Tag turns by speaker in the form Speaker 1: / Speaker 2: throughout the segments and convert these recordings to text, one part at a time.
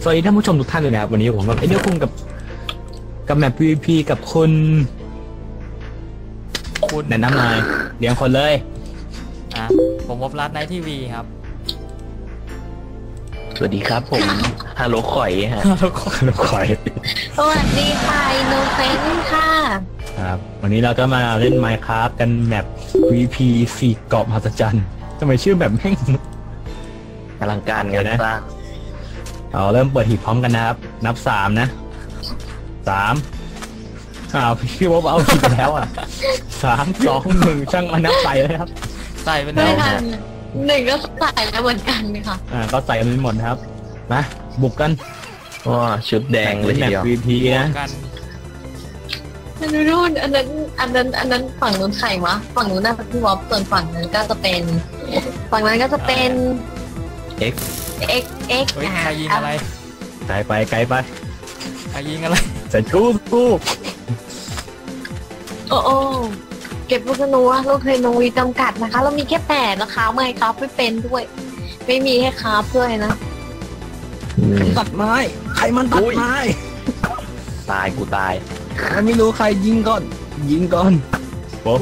Speaker 1: สวัสดีท่านผู้ชมทุกท่านเลยนะครับวันนี้ผมกับไอเดียคุงกับแมป PVP กับคุณแนะนำหน่อยเลี้ยงคนเลย
Speaker 2: ผมวบรัตน์ในทีวีครับ
Speaker 3: สวัสดีครับผมฮัลโหลข่อยฮะ
Speaker 1: ฮัลโหลข่อย
Speaker 4: สวัสดีค่ะอินโนเซนต์ค่ะ
Speaker 1: ครับวันนี้เราก็มาเล่น Minecraft กันแมป PVP 4 เกาะมหัศจรรย์ทำไมชื่อแบบแม่ง
Speaker 3: อลังการงานสร้าง
Speaker 1: เอาเริ่มเปิดหีบพร้อมกันนะครับนับ3นะ3พี่วบเอาผิดแล้วอ่ะ3 2 1ช่างมานับใส่เลยครับ
Speaker 2: ใส่เป็นแล้ว
Speaker 4: หนึ่งก็ใส่แล้วเหมือนกันค่ะ
Speaker 1: ก็ใส่กันหมดนะครับมาบุกกัน
Speaker 3: ว้าชุดแดงเลย
Speaker 1: ทีเดียว PVP นะ
Speaker 4: นู่นอันนั้นฝั่งนู้นใครวะฝั่งนู้นน่าจะพี่วอฟส่วนฝั่งนั้นก็จะเป็นX
Speaker 2: ใครยิงอะไร
Speaker 1: ไกลไปใ
Speaker 2: ครยิงอะไร
Speaker 1: ใส่กู
Speaker 4: โอ้เก็บลูกธนูลูกธนูจำกัดนะคะเรามีแค่8นะคะไม่ครับไม่เป็นด้วยไม่มีให้ครับด้วยนะ
Speaker 1: ตัดไม้ใครมันตัดไม้
Speaker 3: ตายกูตาย
Speaker 1: ไม่รู้ใครยิงก่อนปุ๊บ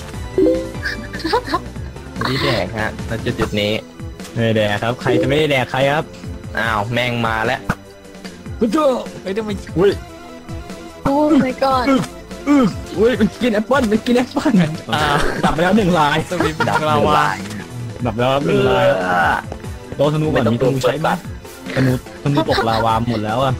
Speaker 3: นี่แดกฮะแล้วจุดนี้
Speaker 1: ไม่แดกครับใครจะไม่ได้แดกใครครับ
Speaker 3: อ้าวแม่งมาแล้ว
Speaker 1: กูเจอ
Speaker 2: ทำไม
Speaker 1: อุ้ย
Speaker 4: โอ้ไม่ก่อน
Speaker 1: อุ้ยมันกินแอปเปิ้ลดับไปแล้ว1 ลาย
Speaker 2: ดับแล้ว
Speaker 1: ดับแล้ว1 ลายโดนธนูก่อนมีธนูใช้บ้างธนูตกลาวาหมดแล้วอ่ะ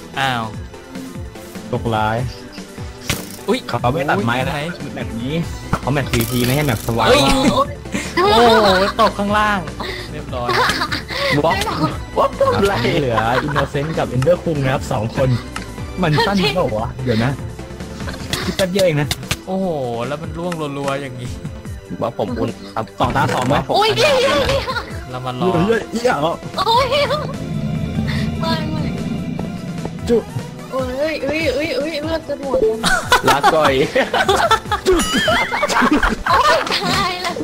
Speaker 1: ตกลายอุ้ยเขาไม่ตัดไม้นะแบบนี้เขาแมท PVP ไม่ให้แบบสว่าง
Speaker 2: โอ้ตกข้างล่างเรียบร้อย
Speaker 1: วับอะไรเหลืออินโนเซนต์กับเอนเดอร์คุงนะครับ2 คนมันสั้นเปล่าวะเดี๋ยวนะคิดแป๊บเดียวเองนะ
Speaker 2: โอ้โหแล้วมันร่วงรัวๆอย่างนี้
Speaker 3: ว่าผมอุ่น
Speaker 1: ครับ2 ตา 2ไหม
Speaker 4: โอ้ย
Speaker 2: เรามารอ
Speaker 1: เยอะ
Speaker 4: โอ้ยไม่
Speaker 1: จุ
Speaker 4: เอ้ยเลือดจะหมด
Speaker 3: ลาก่อย
Speaker 4: ตายแล้ว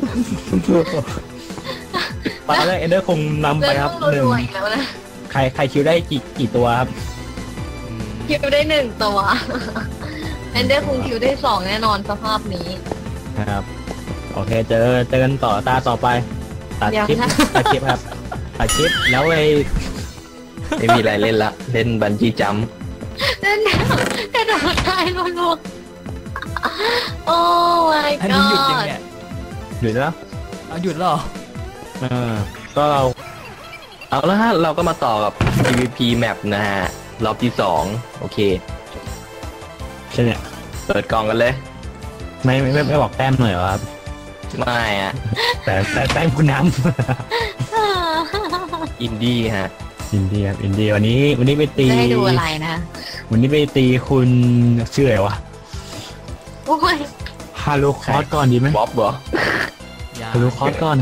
Speaker 1: ตอนแรกเอนเดอร์คงนำไปครับ1ใครคิวได้กี่ตัวครับ
Speaker 4: คิวได้1 ตัวเอนเดอร์คงคิวได้2แน่นอนสภาพนี้
Speaker 1: ครับโอเคเจอกันตาต่อไปตัดคลิปครับตัดคลิปแล้ว
Speaker 3: ไม่มีอะไรเล่นละเล่นบันจี้จัมป์
Speaker 4: เล่นกระโดดตายรัวๆโอ้ my god
Speaker 2: อันนี้หยุดยังเนี่ย
Speaker 1: หยุดแล้ว
Speaker 2: หยุดแล้ว
Speaker 1: ก็
Speaker 3: เอาละฮะเราก็มาต่อกับ PVP map นะฮะรอบที่2โอเค
Speaker 1: ใช่เนี่ย
Speaker 3: เปิดกล่องกันเลย
Speaker 1: ไม่บอกแต้มหน่อยเหรอครับ
Speaker 3: ไม่อะ
Speaker 1: แต่แต้มคุณน้
Speaker 3: ำอินดี้ฮะ
Speaker 1: อินดี้วันนี้ไปตี
Speaker 4: ได้ดูอะไรนะ
Speaker 1: วันนี้ไปตีคุณชื่ออะไรวะ
Speaker 4: โอ้ย
Speaker 1: ฮาโลคอสก่อนดีไหม
Speaker 3: บ๊อบเหรอ
Speaker 1: ฮาโลคอสก่อน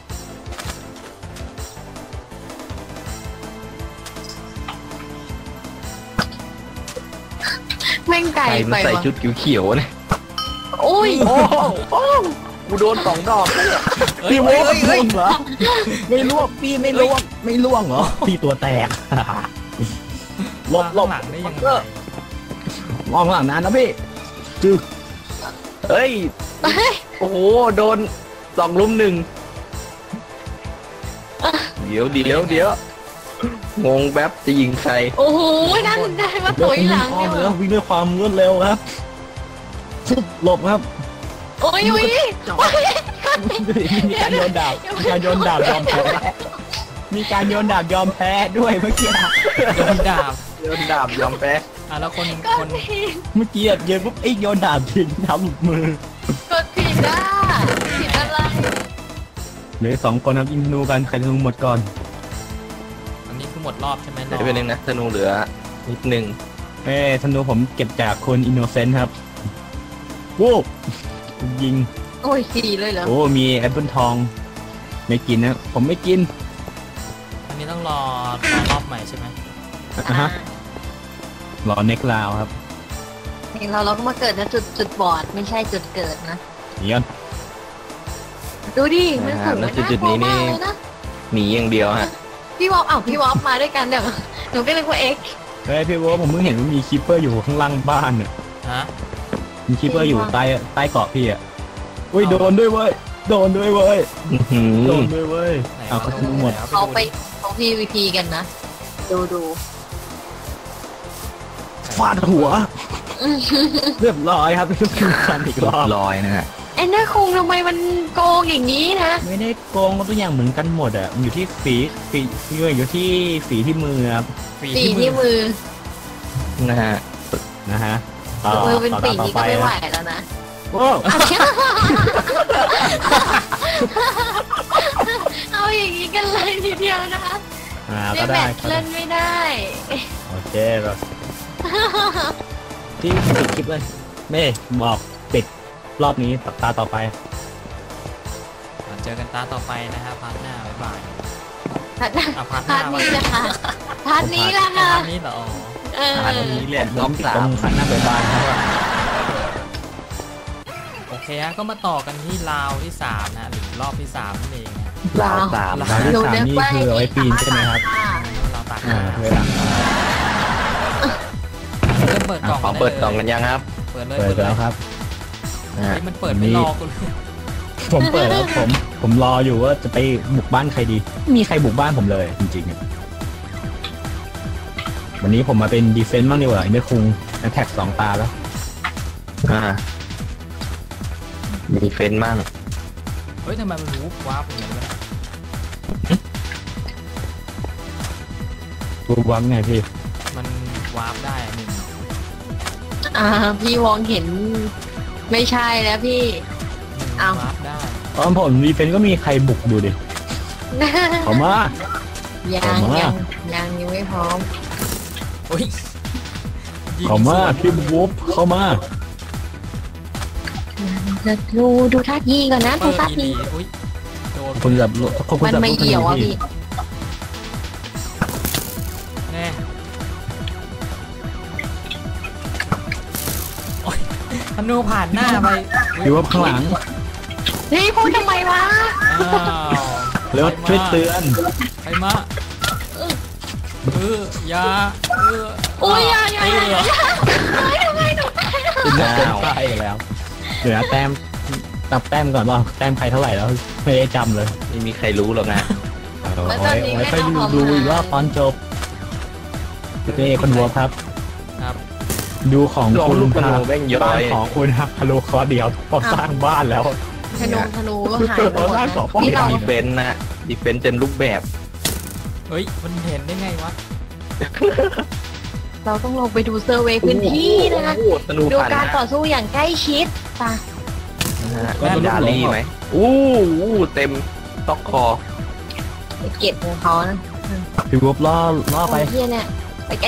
Speaker 4: แม่งไก่ไป
Speaker 3: ใส่ชุดเขียวๆเนี่ย
Speaker 4: โอ้ย
Speaker 3: กูโดน2 ดอก
Speaker 1: พี่โว้ล่วงเหรอไม่ล่วงพี่ไม่ล่วงเหรอพี่ตัวแตกหลบ
Speaker 2: หลังได้ยังไง
Speaker 1: มองหลังนั้นนะพี่จึ๊ก
Speaker 3: เฮ้ยโอ้โหโดน2 ลุม 1เดี๋ยวงงแบบจะยิงใคร
Speaker 4: โอ้โหนั่นได้มาถอยหลัง
Speaker 1: แล้ววิ่งด้วยความรวดเร็วครับชุบหลบครับ
Speaker 4: โอ้ย
Speaker 1: มีการโยนดาบยอมแพ้มีการโยนดาบยอมแพ้ด้วยเมื่อกี้
Speaker 2: โยนดาบ
Speaker 3: ยอมแพ้
Speaker 2: แล้วคน
Speaker 1: เมื่อกี้เยอะปุ๊บโยนดาบทิ้งทำมื
Speaker 4: อกดผิดอะไร
Speaker 1: เหลือ2 คนครับยิงธนูกันใครธนูหมดก่อน
Speaker 2: อันนี้คือหมดรอบใช่ไหม
Speaker 3: ไม่เป็นไรนะธนูเหลือนิดนึง
Speaker 1: ธนูผมเก็บจากคนอินโนเซนต์ครับวู้ยิง
Speaker 4: โอ้ย4เลยเหรอ
Speaker 1: โอ้มีแอปเปิลทองไม่กินนะผมไม่กิน
Speaker 2: อันนี้ต้องรอรอบใหม่ใช่ไหม
Speaker 1: รอเน็กลาวครับ
Speaker 4: เราก็มาเกิดนะจุดบอดไม่ใช่จุดเกิดนะ
Speaker 1: ย้อน
Speaker 4: ดูดิมันสูง
Speaker 3: จุดนี้นี่หนีอย่างเดียวฮะ
Speaker 4: พี่วอฟมาด้วยกันเดี๋ยวหนูก็เลยว่าเอ็ก
Speaker 1: เฮ้ยพี่ว่าผมเพิ่งเห็นว่ามีคิปเปอร์อยู่ข้างล่างบ้านเนี่ย
Speaker 2: ฮะ
Speaker 1: มีคิปเปอร์อยู่ใต้เกาะพี่อ่ะอุ้ยโดนด้วยเว้ยโดนด้วยเว้ย
Speaker 3: อื้อหือ
Speaker 1: โดนด้วยเว้ย
Speaker 2: ไหน
Speaker 1: เอาเขาทิ้งหมด
Speaker 4: เขาไปเขา PVP กันนะ ดู
Speaker 1: ฟาดหัวเรียบร้อยครับพี่คันอีกรอบ
Speaker 3: ลอยนะฮะ
Speaker 4: ไอ้เนื้อคงทำไมมันโกงอย่างนี้นะ
Speaker 1: ไม่ได้โกงทุกอย่างเหมือนกันหมดอ่ะมันอยู่ที่ฝีอยู่ที่ฝีที่มือครับ
Speaker 2: ฝี
Speaker 4: ปี
Speaker 2: ที่มื
Speaker 4: ที่
Speaker 2: อ
Speaker 4: มือ
Speaker 3: นะฮะ
Speaker 1: นะฮะต่อ
Speaker 4: มือเป็น
Speaker 1: ต่อ
Speaker 4: ปี
Speaker 1: ต่อ
Speaker 4: นี้
Speaker 1: ไป
Speaker 4: ก็ไม่ไหว
Speaker 1: นะ
Speaker 4: แล้วนะ
Speaker 1: โอ้
Speaker 4: เอาอย่างนี้กันเลยทีเดียวนะคะ
Speaker 1: ก็
Speaker 4: แบ
Speaker 1: ได้
Speaker 4: บเล่นไม่ได้
Speaker 1: โอเคแบบที่ปิดคลิปเลยเม่บอกปิดรอบนี้ตาต่อไป
Speaker 2: เจอกันตาต่อไปนะฮะพาร์ทหน้าบ๊ายบาย
Speaker 4: พาร์ท
Speaker 2: อ่ะพาร์ทห
Speaker 4: พา
Speaker 2: น้า
Speaker 4: ร์ทนี้นะคะพาร์ทนี้ละ
Speaker 2: พา
Speaker 4: ค่ะ
Speaker 2: ร์ทนี้เหรอ
Speaker 4: เออ
Speaker 1: อันนี้แหละล้อมตรงคันหน้าไปบ้านครับว่า
Speaker 2: โอเคฮะก็มาต่อกันที่ราวที่3นะหรือรอบที่3นั่นเองนะ
Speaker 3: ลาวสาม
Speaker 1: ราวที่สามนี่คือเอาไว้ปีนใช่ไหมครับ
Speaker 2: เราตัก
Speaker 1: เวลา
Speaker 2: เริ่มเปิดกล่อง
Speaker 3: ขอเปิดกล่องกันยังครับ
Speaker 2: เปิดเลย
Speaker 1: เปิดแล้วครับ
Speaker 3: นะฮะ
Speaker 2: เฮ้ยมันเปิดไม่รอกูเลย
Speaker 1: ผมเปิดแล้วผมรออยู่ว่าจะไปบุกบ้านใครดีไม่มีใครบุกบ้านผมเลยจริงๆวันนี้ผมมาเป็นดีเฟนซ์บ้างดีกว่าไอ้เนื้อคุงแท็ก2 ตาแล้ว
Speaker 3: มีเฟ้นมั่ง
Speaker 2: เฮ้ยทำไมมันวูบวาร์ปอย่างนี้วะ
Speaker 1: ดูวังไงพี่
Speaker 2: มันวาร์ปได้หนึ่ง
Speaker 4: พี่วองเห็นไม่ใช่แล้วพี่ อ้าว
Speaker 2: วาร์ปได้
Speaker 1: ตอนผมดีเฟนซ์ก็มีใครบุกดูดิเขามา
Speaker 4: ยังไม่พร้อม
Speaker 2: โอ้ยยิง
Speaker 1: เขามา
Speaker 2: สวน
Speaker 1: พี่วูฟเข้ามา
Speaker 4: จะดูท่าทีก่อนนะดู
Speaker 2: เปิด
Speaker 4: ท่า
Speaker 2: อี
Speaker 4: ที
Speaker 2: ลีอุ้ยโดน
Speaker 1: คุณแบบคุณ
Speaker 4: มัน
Speaker 1: แบบ
Speaker 4: ไม่เหี่ยวอ่ะพี่
Speaker 2: แน่โอ๊ยธนูผ่านหน้าไป
Speaker 1: พี่วูฟข้างหลัง
Speaker 4: นี่พูดทำไมวะ
Speaker 2: อ้าว
Speaker 1: เร็วช่วยเตือน
Speaker 2: ไปมาอยา
Speaker 4: โอ้ยอย่า
Speaker 2: เออ
Speaker 4: ทำไมหนูตาย
Speaker 1: อินเตอร์เซ็นต์ไปอีกแล้วเดี๋ยวนะแต้มนับแต้มก่อนว่าแต้มใครเท่าไหร่แล้วไม่ได้จำเลย
Speaker 3: ไม่มีใครรู้หรอกนะ
Speaker 1: เอาไว้ไปดูอีกรอบตอนจบเจ้คนวัวครับ
Speaker 2: ครับ
Speaker 1: ดูของ
Speaker 3: ลอง
Speaker 1: คุณ
Speaker 3: ลูกกระ
Speaker 1: ค
Speaker 3: โด
Speaker 1: รั
Speaker 3: ด
Speaker 1: บ
Speaker 3: แม่งย้อ
Speaker 1: บ้าน
Speaker 3: ย
Speaker 1: ของคุณฮักคารุคอเดียวพอสร้างบ้านแล้ว
Speaker 4: ธนูก็หายไปหมดนะพี่เรา
Speaker 3: ดีเฟนต์นะดีเฟนต์เต็มรูปแบบ
Speaker 2: เฮ้ยมันเห็นได้ไงวะ
Speaker 4: เราต้องลงไปดูเซอร์เวย์พื้นที่นะ
Speaker 3: โอ้โหธนู
Speaker 4: ดู
Speaker 3: ผ่าน
Speaker 4: การ
Speaker 3: นะ
Speaker 4: ต่อสู้อย่างใกล้ชิดป่ะ
Speaker 3: นะฮะดาลี่ไหมอู้เต็มต๊อกคอ
Speaker 4: ไปเก็บของเขานะ
Speaker 1: พี่วูฟล่อไป
Speaker 4: เฮียเนี่ยไปใกล้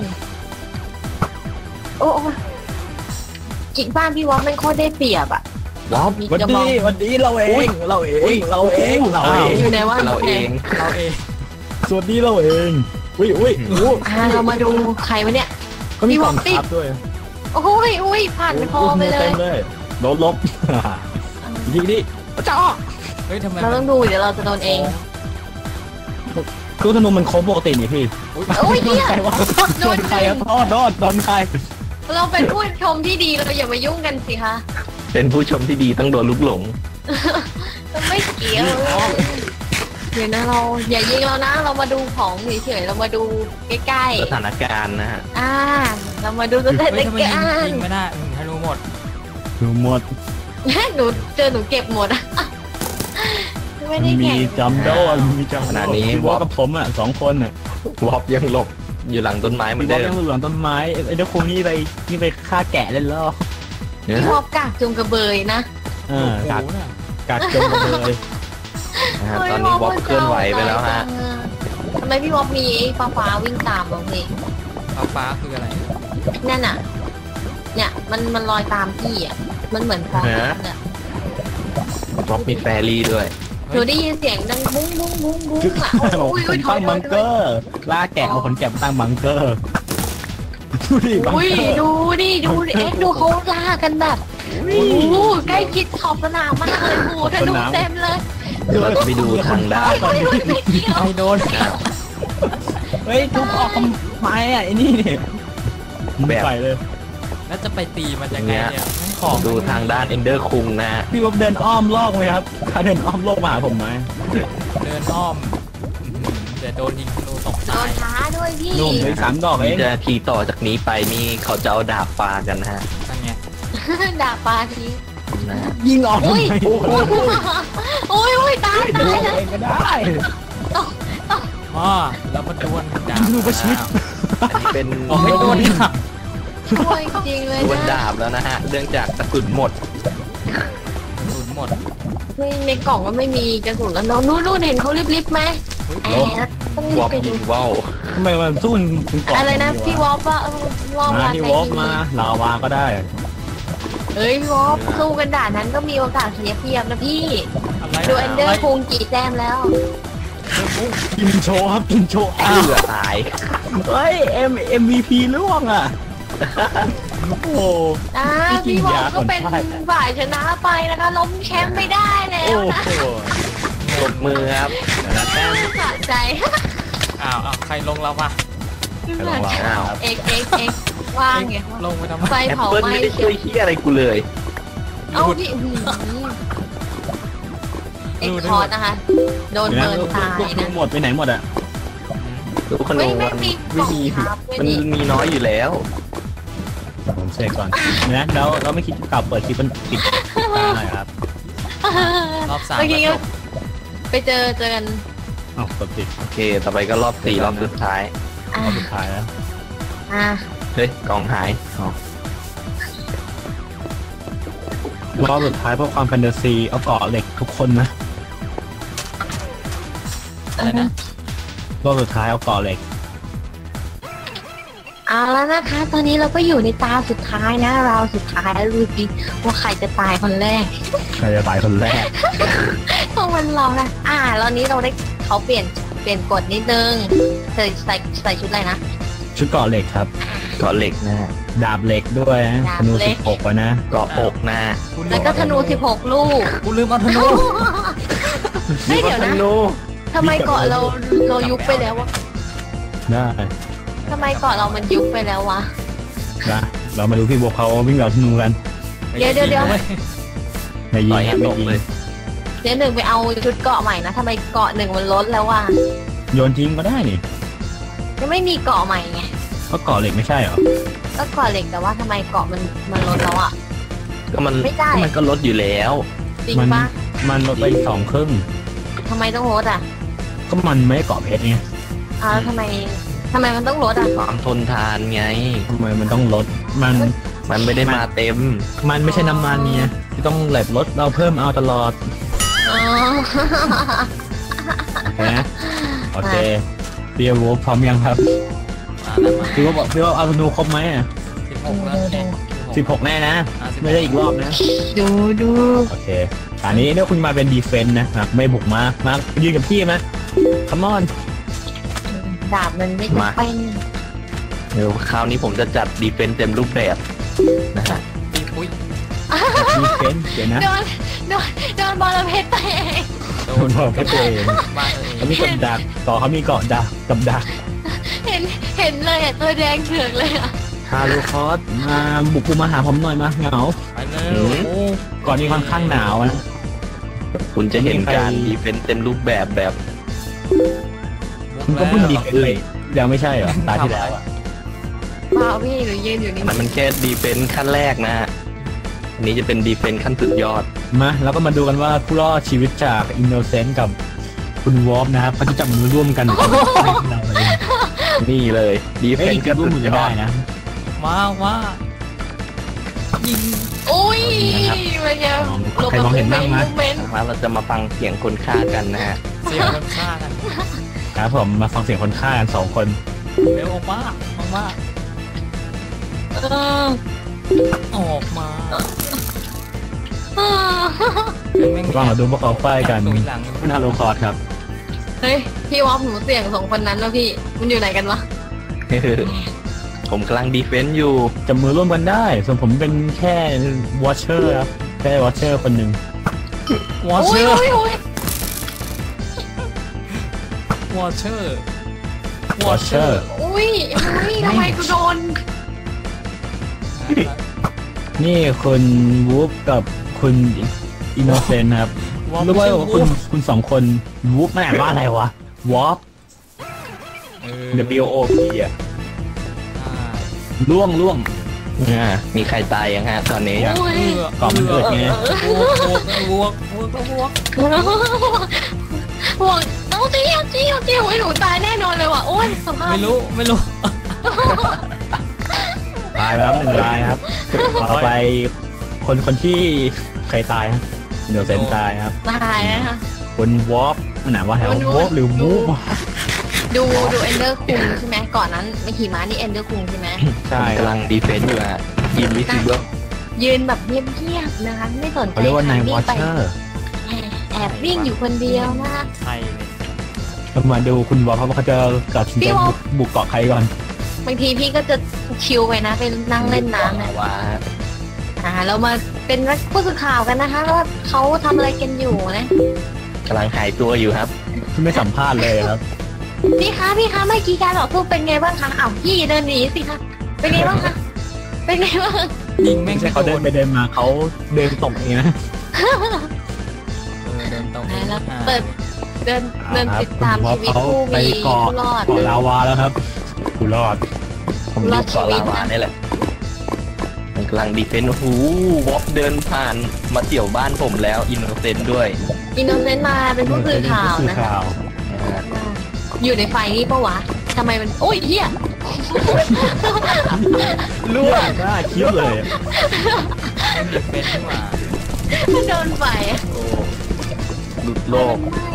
Speaker 4: ๆโอ้กิ่งบ้านพี่วอมมันโคตรได้เปรียบอ่ะ
Speaker 3: ว้าว
Speaker 4: มี
Speaker 1: วัน
Speaker 4: กระบอ
Speaker 1: นี้
Speaker 4: ง
Speaker 1: วันนี้เราเองเราเองเราเองเราเอง
Speaker 4: อยู่ไหนวะ
Speaker 3: เราเอง
Speaker 2: เราเอง
Speaker 1: สวัสดีเราเองอุ้ยอุ้ยอู้
Speaker 4: เรามาดูใครวะเนี่ย
Speaker 1: ก็มีกล่องครับด้วย
Speaker 4: โอ้ยผ่านคอไปเล
Speaker 1: ต็
Speaker 4: ย
Speaker 1: มเลยลบดีดิจ้า
Speaker 2: เฮ้ยทำไม
Speaker 4: เราต้องดูเดี๋ยวเราจะโดนเอง
Speaker 1: คือธนูมันครบปกตินี่พี่
Speaker 4: โอ้ยเนี่ย
Speaker 1: ใครวะโดนใครอะโดนใคร
Speaker 4: เราเป็นผู้ชมที่ดีเราอย่ามายุ่งกันสิคะ
Speaker 3: เป็นผู้ชมที่ดีต้องโดนลุกหลง
Speaker 4: เราไม่เกี่ยวเดี๋ยวนะเราอย่ายิงเรานะ เรามาดูของเฉยๆเรามาดูใกล้
Speaker 3: สถานการณ์นะฮะ
Speaker 4: ๆเรามาดูสถาน
Speaker 2: เฮ้ยทำไม
Speaker 4: การ
Speaker 2: ยิง
Speaker 4: ณ์
Speaker 2: ไม่ได้ธนูหมด
Speaker 1: ดูหมด
Speaker 4: หนูเจอหนูเก็บหมดอะไม่ได้
Speaker 1: มี
Speaker 4: แข่ง
Speaker 1: จำโดนมีจำ
Speaker 3: ขณะนี้
Speaker 1: พี่วอกับผมอ่ะ2 คนอ่ะ
Speaker 3: วอบยังหลบอยู่หลังต้นไม้เหมือ
Speaker 1: พี่
Speaker 3: น
Speaker 1: วอ
Speaker 3: เดิม
Speaker 1: ยังหลังต้นไม้ไอ้เด็กคงนี่ไปฆ่าแกะเล่นแล้ว
Speaker 3: เนี่ย
Speaker 4: ชอบกากจุงกระเบยนะ
Speaker 1: กัก
Speaker 2: โอ้โหน่ะ
Speaker 1: กักจนเลย
Speaker 3: นะฮะตอนนี้วอบเคลื่อนไหวไปแล้วฮะ
Speaker 4: ทำไมพี่วอบมีฟ้าวิ่งตามเราเลย
Speaker 2: ฟ้าคืออะไร
Speaker 4: นั่นน่ะ เนี่ยมันลอยตามพี่อ่ะมันเหมือนฟองน้ำเนี่ย
Speaker 3: วอบมีแฟรี่ด้วย
Speaker 4: หนูได้ยินเสียงดังบุ้งบุ้งบุ้งบุ้งอ่ะ
Speaker 1: ผม
Speaker 4: อุ้ย
Speaker 1: ตั้งบังเกอร์ล่าแกะเอาขนแกะมาตั้งบังเกอร์ดูดิบัง
Speaker 4: อุ้ย
Speaker 1: เกอร์
Speaker 4: ดูดิเอ็กดูเขาล่ากันแบบโอ้โหใกล้ชิดขอบสนามมากเลยโอ้โหธนูเต็มเลย
Speaker 3: เดี๋ยวเราจะไปดูทางด้าน
Speaker 2: ใครโดน
Speaker 1: เฮ้ยทุบออกทำไมอ่ะไอ้นี่เนี่ยไม่ไปเลย
Speaker 2: แล้วจะไปตีมันยังไงเนี่ยของ
Speaker 3: ดูทางด้านเอนเดอร์คุงนะฮะ
Speaker 1: พี่ว่าเดินอ้อมโลกไหมครับถ้าเดินอ้อมโลกมาหาผมไหม
Speaker 2: เดินอ้อมเดี๋ยวโดนยิงธนูตก
Speaker 4: โด
Speaker 2: ตาย
Speaker 4: นท้าด้วยพี่
Speaker 1: นุ่มเลย3 ดอกเอ
Speaker 3: นี่
Speaker 1: ง
Speaker 3: จะทีต่อจากนี้ไปนี่เขาจะเอาดาบปากันนะฮะ
Speaker 2: นั่นไง
Speaker 4: ด่าปลาที
Speaker 3: นะฮะ
Speaker 1: ยิงออกทำไม
Speaker 4: อุ้ยตาย
Speaker 1: ดู
Speaker 4: ตาย
Speaker 1: เองก็ได้
Speaker 2: อ๋อแล้วมาดวลดาบ
Speaker 1: ดูประชิด
Speaker 3: อันนี้เป็น
Speaker 2: โอ้ไม่ดวลดาบ
Speaker 4: ช่วยจริงเลย
Speaker 3: ดวล
Speaker 4: นะ
Speaker 3: ดาบแล้วนะฮะเนื่องจากกระสุนหมด
Speaker 2: สูญหมด
Speaker 4: ในกล่องก็ไม่มีกระสุนแล้วน้องนู่นเห็นเขารีบๆไหมแอบต้องรี
Speaker 3: ว
Speaker 4: บ
Speaker 3: อป
Speaker 4: ไป
Speaker 3: ยิ
Speaker 4: ดู
Speaker 3: งว่าว
Speaker 1: ทำไมมันสู้ถึงกล่อง
Speaker 4: อะไรนะพี่วอปว่าว่า
Speaker 1: มาที่วอฟมาลาวาก็ได้
Speaker 4: เฮ้ยพี่วอปสู้กันด่านนั้นก็มีโอกาสเสียเปรียบนะพี่
Speaker 2: อะไร
Speaker 4: ดูเอนเดอร์คุงกี่แต้มแล้ว
Speaker 1: กินโชว์ครับกินโชว์
Speaker 3: เพื่อตาย
Speaker 1: เฮ้ย MVP ล่วงอ่ะโอ้โห
Speaker 4: พี่วอปก็เป็นฝ่ายชนะไปนะคะล้มแชมป์ไม่ได้แล้
Speaker 1: โอ้
Speaker 4: วนะ
Speaker 1: โห
Speaker 3: ปรบมือครับ
Speaker 4: สะใจ
Speaker 2: อ้าวใครลงแล้ววะ
Speaker 3: อ้าว
Speaker 4: เอกว่างไง
Speaker 2: ลงไปทำไม
Speaker 4: ไฟ
Speaker 3: แอป
Speaker 4: เผา
Speaker 3: เปิล
Speaker 4: ไหม้
Speaker 3: ไม่ได้ช่วยเฮียอะไรกูเลย
Speaker 4: เอาพี่เอกคอร์สนะคะ โดน
Speaker 1: เดี๋ยว
Speaker 4: เบิร์น
Speaker 1: นะ
Speaker 4: ตาย
Speaker 1: ลูก
Speaker 4: นะ
Speaker 1: หมดไปไหนหมดอ่ะ
Speaker 3: ดูขนมมันไม่มีมันมีน้อยอยู่แล้ว
Speaker 1: ผมเสกก่อนนะแล้วเราไม่คิดจะกลับเปิดคลิปมันปิดได้ครับ
Speaker 2: รอบสาม
Speaker 4: เมื่อกี้
Speaker 2: ก็
Speaker 4: ก็
Speaker 2: จบ
Speaker 4: ไปเจอกัน
Speaker 1: อ้าวกดปิด
Speaker 3: โอเค ต่อไปก็รอบ4รอบสุดท้าย
Speaker 4: อ่าร
Speaker 1: อบสุดท้ายแล้ว
Speaker 4: อ่า
Speaker 3: เฮ้ย กล่องหาย
Speaker 1: รอบสุดท้ายเพราะความแฟนตาซีเอาเกาะเหล็กทุกคนนะ
Speaker 2: อะไรนะ
Speaker 1: รอบสุดท้ายเอาเกาะเหล็ก
Speaker 4: เอาแล้วนะคะ ตอนนี้เราก็อยู่ในตาสุดท้ายนะ เราสุดท้ายแล้วดูสิว่าใครจะตายคนแรก
Speaker 1: ใครจะตายคนแรก
Speaker 4: ต้องมันเรานะแล้วนี้เราได้เขาเปลี่ยนกฎนิดนึงใส่ชุดอะไรนะ
Speaker 1: ชุดเกาะเหล็กครับ
Speaker 3: เกาะเหล็กนะฮะ
Speaker 1: ดาบเหล็กด้วยนะ
Speaker 4: ดาบ
Speaker 1: ธนู
Speaker 4: เหล็ก
Speaker 1: 16ไว้นะ
Speaker 3: เกาะอกนะฮะ
Speaker 4: แล้วก็ธนู16 ลูก
Speaker 2: กูลืมเอาธนู
Speaker 4: เฮ้ยเดี๋ยว
Speaker 3: ธ
Speaker 4: นะ
Speaker 3: นู
Speaker 4: ทำไมเกาะเรายุบไปแล้ววะ
Speaker 1: ได้
Speaker 4: ทำไมเกาะเรามันยุบไปแล้ววะ
Speaker 1: นะเรามาดูพี่บัวเขาวิ่งเหล่าธนูกัน
Speaker 4: เดี๋ยว
Speaker 1: ในยิ
Speaker 3: ต่
Speaker 1: ง
Speaker 3: อย
Speaker 1: ค
Speaker 3: ให้
Speaker 1: รับ
Speaker 3: ต
Speaker 1: ไม่
Speaker 3: ก
Speaker 1: ยิง
Speaker 3: เลย
Speaker 4: เดี๋ยวหนึ่งไปเอาชุดเกาะใหม่นะทำไมเกาะหนึ่งมันลดแล้ววะ
Speaker 1: โยนทิ้งก็ได้นี่
Speaker 4: ยังไม่มีเกาะใหม่ไง
Speaker 1: ก็เกาะเหล็กไม่ใช่เหรอ
Speaker 4: ก็เกาะเหล็กแต่ว่าทำไมเกาะมันลดแล้วอ่ะ
Speaker 3: ก็มัน
Speaker 4: ไม่ได้
Speaker 3: ก็มันก็ลดอยู่แล้ว
Speaker 4: จริงปะ
Speaker 1: มันลดไป2 ครึ่ง
Speaker 4: ทำไมต้องลดอ่ะ
Speaker 1: ก็มันไม่ได้เกาะเพชรไง
Speaker 4: แล้วทำไมมันต้องลดอ่ะ
Speaker 3: ความทนทานไง
Speaker 1: ทำไมมันต้องลดมัน
Speaker 3: มันไม่ได้มาเต็ม
Speaker 1: มันไม่ใช่น้ำมันเนี่ยที่ต้องแลบลดเราเพิ่มเอาตลอด
Speaker 4: อ๋อ
Speaker 1: นะโอเคเบียร์วูฟพร้อมยังครับ
Speaker 2: มาแล้วมา
Speaker 1: พี่ว่าเอาธนูครบไหมอ่ะ
Speaker 2: 16แล้วเนี่ย
Speaker 1: 16 แน่นะ ไม่ได้อีกรอบนะ
Speaker 4: ดู
Speaker 1: โอเคอันนี้เนี่ยคุณมาเป็นดีเฟนต์นะครับไม่บุกมายืนกับพี่ไหมคัมอน
Speaker 4: ดาบมันไม่จำเป็น
Speaker 3: เดี๋ยวคราวนี้ผมจะจัดดีเฟนซ์เต็มรูปแบบนะฮะ
Speaker 2: อุ้ย
Speaker 1: ดีเฟนต์เดี๋ยวนะ
Speaker 4: โดนบอลเพชรไป
Speaker 2: โด
Speaker 1: คน
Speaker 2: น
Speaker 1: บอกแค่ตัวเอง
Speaker 2: บ้านตัวเอง
Speaker 1: เขามีกับดักต่อเขามีเกาะดักกับดัก
Speaker 4: เห็นเลยอ่ะตัวแดงเถือกเลยอ่ะ
Speaker 1: ฮารูคอสมาบุกกูมาหาผมหน่อยมาเหงา
Speaker 2: ไปเลยโอ้
Speaker 1: ก่อนนี้ค่อนข้างหนาวนะ
Speaker 3: คุณจะเห็นการดีเฟนซ์เต็มรูปแบบแบบ
Speaker 1: คุณก็เพิ่งดีเฟนต์ไปยังไม่ใช่เหรอตาที่แล้วอ่ะ
Speaker 4: เปล่าพี่หนูยืนอยู่นี่
Speaker 3: มันแค่ดีเฟนซ์ขั้นแรกนะฮะอันนี้จะเป็นดีเฟนซ์ขั้นสุดยอด
Speaker 1: มาแล้วก็มาดูกันว่าผู้รอดชีวิตจากอินโนเซนต์กับคุณวอฟนะครับเขาจะจับมือร่วมกันเราเลย
Speaker 3: นี่เลยดีเฟ
Speaker 1: เอ้ย
Speaker 3: นซ์
Speaker 1: จะ
Speaker 3: ขั้น
Speaker 1: ร่วม
Speaker 3: สุ
Speaker 1: มื
Speaker 3: ด
Speaker 1: อย กัน
Speaker 3: อ
Speaker 1: ได้
Speaker 3: ด
Speaker 1: นะ
Speaker 2: ว่ายิง
Speaker 4: อุ้ยมันจะหลบ
Speaker 1: ใครมองเห็นบ้างไหม
Speaker 4: เมนต์
Speaker 3: มาเราจะมาฟังเสียงคนฆ่ากันนะฮะ
Speaker 2: เสียงคนฆ่ากัน
Speaker 1: ครับผมมาฟังเสียงคนฆ่ากัน2 คน
Speaker 2: เร็วออกมาออกมา
Speaker 1: ก็มาดูพวกเขาไฟกัน
Speaker 2: ตุยหลัง
Speaker 1: คุณฮารูคอสครับ
Speaker 4: เฮ้ยพี่วอฟหนูเสี่ยง2 คนนั้นแล้วพี่มันอยู่ไหนกันวะ
Speaker 3: ผมกำลังดีเฟนซ์อยู่
Speaker 1: จับมือร่วมกันได้ ส่วนผมเป็นแค่วอชเชอร์ครับแค่วอชเชอร์คนหนึ่ง
Speaker 2: วอเช
Speaker 4: อุ้ย
Speaker 2: อร์
Speaker 4: อุ้ยอุ้ยว
Speaker 2: อเชอร์วอเชอ
Speaker 1: Watcher
Speaker 2: ร์
Speaker 4: อุ้ยทำไมกูโดน
Speaker 1: นี่คุณวูฟกับคุณอินโนเซนต์ครับรู้ไหมว่าคุณสองคนวูฟมันอ่านว่าอะไรวะวอฟ W O P อ่ะล่วง
Speaker 3: มีใครตายยังฮะตอนนี้
Speaker 4: โอ้ย
Speaker 1: ก่อนมันเกิดไง
Speaker 2: บวก
Speaker 4: ห่วงต้องเตี้ยวไอ้หนูตายแน่นอนเลยว่ะโอ้ยสภาพ
Speaker 2: ไม่รู้
Speaker 1: ตายแล้ว1 รายครับต่อไปคนที่ใครตายครับอินโนเซนต์ตายครับ
Speaker 4: ตายนะคะ
Speaker 1: คุณวอฟมันอ่านว่าอะไรวะวอฟหรือวูฟ
Speaker 4: ดูเอนเดอร์คุงใช่ไหมก่อนนั้นไม่ขี่ม้านี่เอนเดอร์คุงใช่ไหม
Speaker 1: ใช่
Speaker 3: กำลังดีเฟนต์อยู่ฮะอินวิซิเบิล
Speaker 4: ยืนแบบเงียบๆนะคะไม่สนใจ
Speaker 1: เขาเรียกว่านาย
Speaker 4: ใคร
Speaker 1: วอช
Speaker 4: ไป
Speaker 1: เชอร์
Speaker 4: แอบวิ่งอยู่คนเดียวนะคะ
Speaker 2: ใช่เลย
Speaker 1: มาดูคุณวอฟเขาจะตัดสินใจบุกเกาะใครก่อน
Speaker 4: บางทีพี่ก็จะชิลไปนะไปนั่งเล่นน้ำนะ
Speaker 3: ว่า
Speaker 4: เรามาเป็นผู้สื่อข่าวกันนะคะว่าเขาทำอะไรกันอยู่นะ
Speaker 3: กำลังหายตัวอยู่ครับ
Speaker 1: ไม่สัมภาษณ์เลยครับ
Speaker 4: พี่คะเมื่อกี้การต่อสู้เป็นไงบ้างคะอ้าวพี่เดินหนีสิคะเป็นไงบ้างคะเป็นไงบ้าง
Speaker 2: ยิงแม่
Speaker 1: ไม่
Speaker 2: ง
Speaker 1: ใช่เขาเดินไปเดินมาเขาเดินตกเองนะ
Speaker 2: เดินตรง
Speaker 4: แล้วเปิดเดินติดตาม
Speaker 1: คุณวอ
Speaker 4: ชี
Speaker 1: ฟ
Speaker 4: วิต
Speaker 1: เขา
Speaker 4: ผู้
Speaker 1: ไป
Speaker 4: มี
Speaker 1: เกาะ
Speaker 4: ผู้รอด
Speaker 1: เกาะลาวาแล้วครับผู้รอด
Speaker 3: ผมอยู่เกาะลาวานี่แหละมันกำลังดีเฟนต์โอ้โหวอฟเดินผ่านมาเตี่ยวบ้านผมแล้วอินโนเซนต์ด้วย
Speaker 4: อินโนเซนต์มาเป็นผู้สื่อข่าว
Speaker 1: ผู้สื่อ
Speaker 4: นะ
Speaker 1: ข่าว
Speaker 4: อยู่ในไฟนี่ปะวะทำไมมันโอ้ยเฮีย
Speaker 1: ล่วงน่าคิดเลย
Speaker 2: เป็นที่ว่า
Speaker 4: โดนไฟ
Speaker 3: โอ้หลุดโลก
Speaker 4: ไม่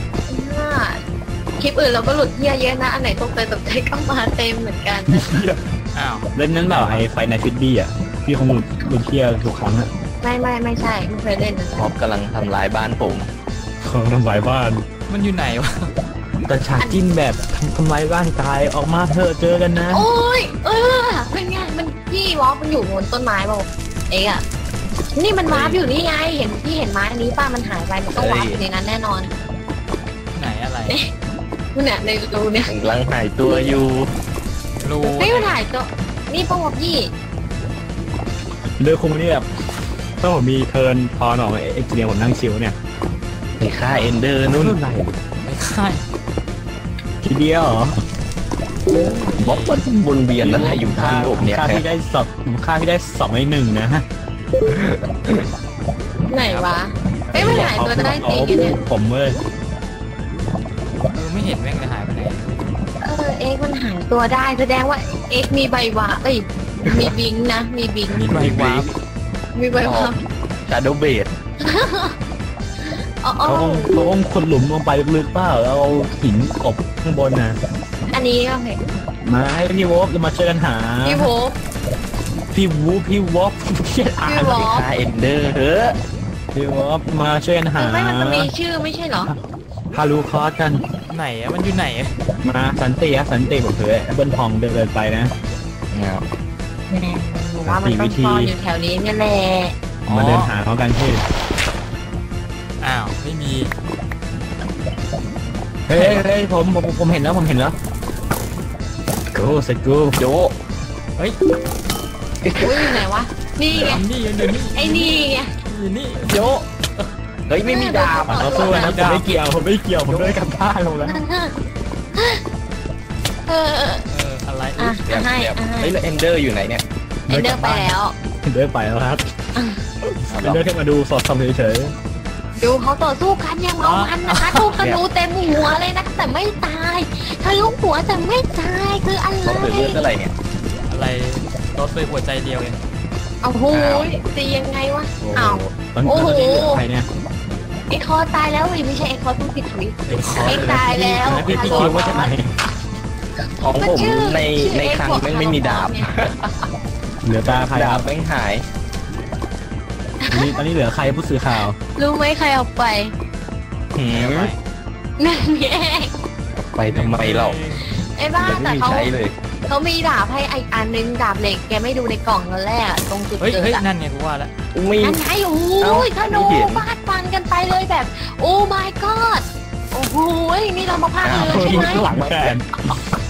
Speaker 4: คลิปอื่นเราก็หลุดเฮียเยอะนะอันไหนตกใจก็มาเต็มเหมือนกันนะ
Speaker 2: อ้าว
Speaker 1: เล่นนั้นแบบไอ้ไฟในฟิตบี้อ่ะพี่คงหลุดเที่ยวทุกครั้งอ่ะ
Speaker 4: ไม่ใช่ไม่เคยเล่นนะ
Speaker 3: วอฟกำลังทำลายบ้านผม
Speaker 1: ของทำลายบ้าน
Speaker 2: มันอยู่ไหนวะ
Speaker 1: แต่ฉากจิ้นแบบทำลายบ้านกายออกมาเถอะเจอกันนะ
Speaker 4: โอ้ยเป็นไงมันพี่วอลมันอยู่บนต้นไม้เปล่าเอ๊ะนี่มันวาร์ปอยู่นี่ไงเห็นพี่เห็นไม้อันนี้ป้ามันหายไปมันต้องวาร์ปอยู่ในนั้นแน่นอน
Speaker 2: ไหนอะไร
Speaker 4: เนี่ยในรูเนี่ย
Speaker 3: กำลังหายตัวอยู่
Speaker 2: รู
Speaker 4: ไม่มันหายตัวนี่ป้าวพี่
Speaker 1: เลือกคงนี่แบบถ้าผมมีเทิร์นพอหน่อยเอ็กซ์เนียผมนั่งชิวเนี่ย
Speaker 3: ในค่าเอนเดอร์นู่น
Speaker 1: ไหน
Speaker 2: ไม่ค่าย
Speaker 1: ทีเดียวเหรอ
Speaker 3: วอฟมันวนเวียนอะไรอยู่ข้างผมเนี่ย
Speaker 1: ค่าที่ได้สอบค่าที่ได้2-1นะฮะ
Speaker 4: ไหนวะมันหายตัวได้จริงเนี่ย
Speaker 1: ผมเลย
Speaker 2: ไม่เห็นแม่งเลยหายไปไหน
Speaker 4: เอ็กมันหายตัวได้แสดงว่าเอ็กมีใบวาร์ปมีบิงนะมีบิง
Speaker 2: มีใบวาร์ป
Speaker 4: มีใบวาร์ป
Speaker 3: ชาโดเบด
Speaker 4: อ๋อ
Speaker 1: เขาคงขุดหลุมลงไปลึกๆเปล่าแล้วเอาหินกบข้างบนนะ
Speaker 4: อันนี้ก็เห็น
Speaker 1: มาให้พี่วอฟจะมาช่วยกันหา
Speaker 4: พี่โฮป
Speaker 1: พี่วอฟเพี้ยนอ่าน
Speaker 4: พี่วอ
Speaker 3: ค่าเอนเดอร์เฮ้อ
Speaker 1: พี่วอฟมาช่วยกันหา
Speaker 4: ไม่มันจะมีชื่อไม่ใช่เหรอ
Speaker 1: ฮารูคอสกัน
Speaker 2: ไหนอะมันอยู่ไหนอะ
Speaker 1: มาสันติสันติผมเถอะเบิ้ลพองเดินไปนะ
Speaker 3: เงา
Speaker 4: ว่ามันต้องซ่อนอยู่แถวนี้นี่แหละ
Speaker 1: มาเดินหาเขากันที่
Speaker 2: อ้าวไม่มี
Speaker 1: เฮ้ยผมเห็นแล้วกูสกู
Speaker 3: โย
Speaker 2: เฮ้ย
Speaker 4: อุ้ยอยู่ไหนวะ นี่ไง
Speaker 2: นี่อยู่นี่
Speaker 4: ไอ้นี่ไง
Speaker 2: อยู่นี่
Speaker 3: โยเฮ้ยไม่มีดาบ
Speaker 1: เขาสู้นะผมไม่เกี่ยวผมเดินกลับบ้านลงแล้ว
Speaker 2: อะไร
Speaker 4: อ่ะ
Speaker 3: แบบ
Speaker 4: ให้
Speaker 3: เฮ้ยแล้วเอนเดอร์อยู่ไหนเนี่ย
Speaker 4: เอ็นเดอร์ไปแล้ว
Speaker 1: เดินไปแล้วครับเดินแค่มาดูสอดส่องเฉย
Speaker 4: ดูเขาต่อสู้กันยังเอามันนะคะลูกธนูเต็มหัวเลยนะแต่ไม่ตายทะลุหัวแต่ไม่ตายคืออะไร
Speaker 3: เขาเปิดเลือดเท่าไหร่เนี่ย
Speaker 2: อะไรรถไฟหัวใจเดียวเอง
Speaker 4: เอาโหตียังไงวะ
Speaker 1: ๆ
Speaker 4: อ้าว
Speaker 1: ตอนนี้เหลือใครเนี่ย
Speaker 4: ไอคอตายแล้วไม่ใช่ไอคอต้องผิดทวิต
Speaker 2: เด็กคอ
Speaker 4: ไอตายแล้ว
Speaker 1: พี่คิวว่าจะไหน
Speaker 3: ของผมในคลังแม่งไม่มีดาบ
Speaker 1: เหลือตาใครค
Speaker 3: ดา
Speaker 1: รั
Speaker 3: บบ แม่งหาย
Speaker 1: ตอนนี้เหลือใครผู้สื่อข่าว
Speaker 4: รู้ไหมใครเอาไป
Speaker 3: หืม
Speaker 4: นั่นไง
Speaker 3: ไปทำไมเรา
Speaker 4: ไอ้บ้า
Speaker 3: ยัง
Speaker 4: แต่
Speaker 3: ไม่มี
Speaker 4: เขา
Speaker 3: ใช้เลย
Speaker 4: เขามีดาบให้อีกอันนึงดาบเหล็กแกไม่ดูในกล่องตอนแรกอะตรงจุด
Speaker 2: เฮ้ย
Speaker 4: เกิ
Speaker 2: เฮ้ย
Speaker 4: ดอะ
Speaker 2: นั่นไงกูว่าแล้ว
Speaker 3: มี
Speaker 4: นั่นไงโอ้โห
Speaker 3: เอ้า
Speaker 4: ธนู
Speaker 3: ไม่เห็น
Speaker 4: ฟาดฟันกันไปเลยแบบ โอ้ my god โอ้โหนี่เรามาพากย์เรือใช่ไหม
Speaker 1: หลังแขน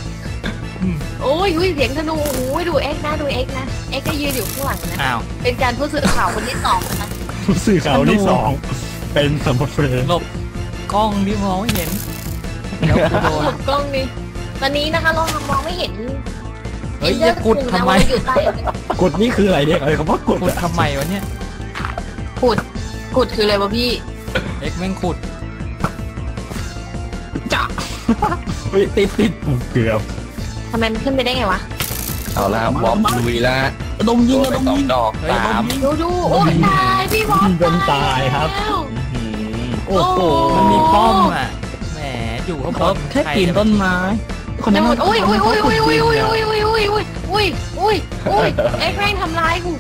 Speaker 4: โอ้ยเสียงธนูโอ้ยดูเอ็กนะเอ็กก็ยืนอยู่ข้างหลังนะ
Speaker 2: อ้าว
Speaker 4: เป็นการผู้สื่อข่าวคนที่สองนะคะ
Speaker 1: ผู้สื่อข่าวที่สองเป็นสมบัติเฟรน
Speaker 2: หลบกล้องที่มองไม่เห็นแล้วกูโดน
Speaker 4: หลบกล้องนี่ตอนนี้นะคะเรามองไม่เห็น
Speaker 2: เฮ้ยอย่ากดทำไม
Speaker 4: อยู่ใต้
Speaker 1: กดนี่คืออะไรเนี่ยคำว่ากด
Speaker 2: ขุดทำไมวะเนี่ย
Speaker 4: ขุดคืออะไรวะพี่
Speaker 2: เอ็กแม่งขุด
Speaker 1: เฮ้ยติดเกือบ
Speaker 4: ทำไมมันขึ้นไปได้ไงวะ
Speaker 3: เอาละวอปลุยละ
Speaker 1: ระดมยิง
Speaker 3: โด
Speaker 1: ระ
Speaker 3: น
Speaker 1: ด
Speaker 3: ไป
Speaker 1: ม
Speaker 3: สอ
Speaker 1: ยิ
Speaker 3: ง
Speaker 1: ง
Speaker 3: ดอกสาม
Speaker 4: ดูโอ้ยตายพี่บอส
Speaker 1: โดนตายครับ
Speaker 4: แล้ว
Speaker 3: อื้อหือ
Speaker 1: โอ้โห
Speaker 2: มันมีป้อมอ่ะแหมอยู่ข้างบน
Speaker 1: แค่ปีนต้นไม้คน
Speaker 4: ไม่
Speaker 1: นั้น
Speaker 4: หม
Speaker 1: มั
Speaker 4: ด
Speaker 1: น
Speaker 4: โอ้ยเอ็กแม่งทำร้ายกู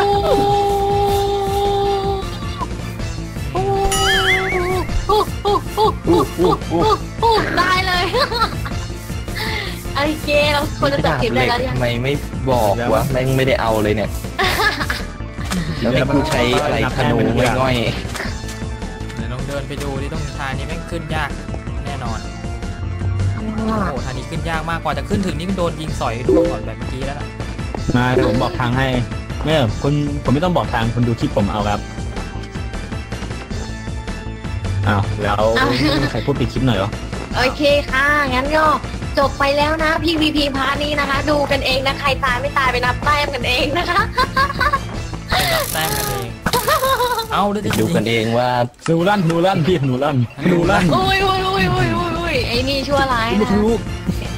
Speaker 4: ได้เลยไอ้เกเราควรจะจับเก็บได้แล้วยัง
Speaker 3: ทำไมไม่บอกวะแม่งไม่ได้เอาเลยเนี่ย แล้วให้กูใช้อะไรธนูง่อย
Speaker 2: เดี๋ยวลองเดินไปดูที่ตรงทางนี้แม่งขึ้นยากแน่นอนโอ้โหทางนี้ขึ้นยากมากกว่าจะขึ้นถึงนี่ก็โดนยิงสอยร่วงก่อนแบบเมื่อกี้แล้วล่ะ
Speaker 1: มาเดี๋ยวผมบอกทางให้ไม่คุณผมไม่ต้องบอกทางคุณดูคลิปผมเอาครับอ้าวแล้วใครพูดปิดคลิปหน่อยเหรอ
Speaker 4: โอเคค่ะงั้นก็จบไปแล้วนะพี่พีพาร์ทนี้นะคะ ดูกันเองนะใครตายไม่ตายไปนับแต้มกันเองนะคะ
Speaker 2: ไปนับแต้มกันเองเอาเดี๋ยว
Speaker 3: ๆ
Speaker 2: จะ
Speaker 3: ดูกันเองว่า
Speaker 1: หนูลั่นพี่หนูลั่น
Speaker 4: โอ้ยไอ้นี่ชั่วร้าย
Speaker 1: ลูก
Speaker 4: นะ
Speaker 1: ลูก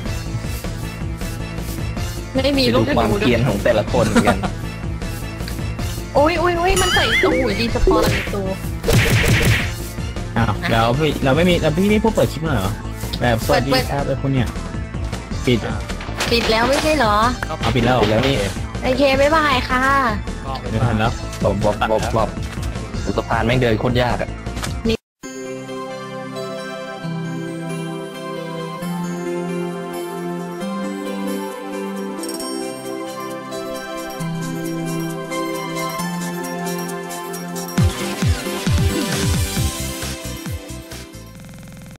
Speaker 4: ไม่มี
Speaker 3: ไป
Speaker 4: ลู
Speaker 3: ดู
Speaker 4: กธ
Speaker 3: ความ
Speaker 4: นูด้
Speaker 3: เกรี
Speaker 4: วย
Speaker 3: ยนของแต่ละคนเหมือนกัน
Speaker 4: โอ้ยมันใส่ตู้ดีสปอร์ตตัว
Speaker 1: อ้าวแล้วพี่เราไม่มีแล้วพี่ไม่พูดเปิดคลิปหน่อยเหรอแบบสวัสดีครับไอ้คนเนี้ยปิด
Speaker 4: ปิดแล้วไม่ใช่เหรอ
Speaker 1: เอาปิดแล้ว
Speaker 3: แล้วนี่
Speaker 4: โอเคบ๊ายบายค่ะ
Speaker 2: ก็ไป
Speaker 1: ไม่ทันแล้ว
Speaker 3: บอบอุตพานแม่งเดินโคตรยากอะ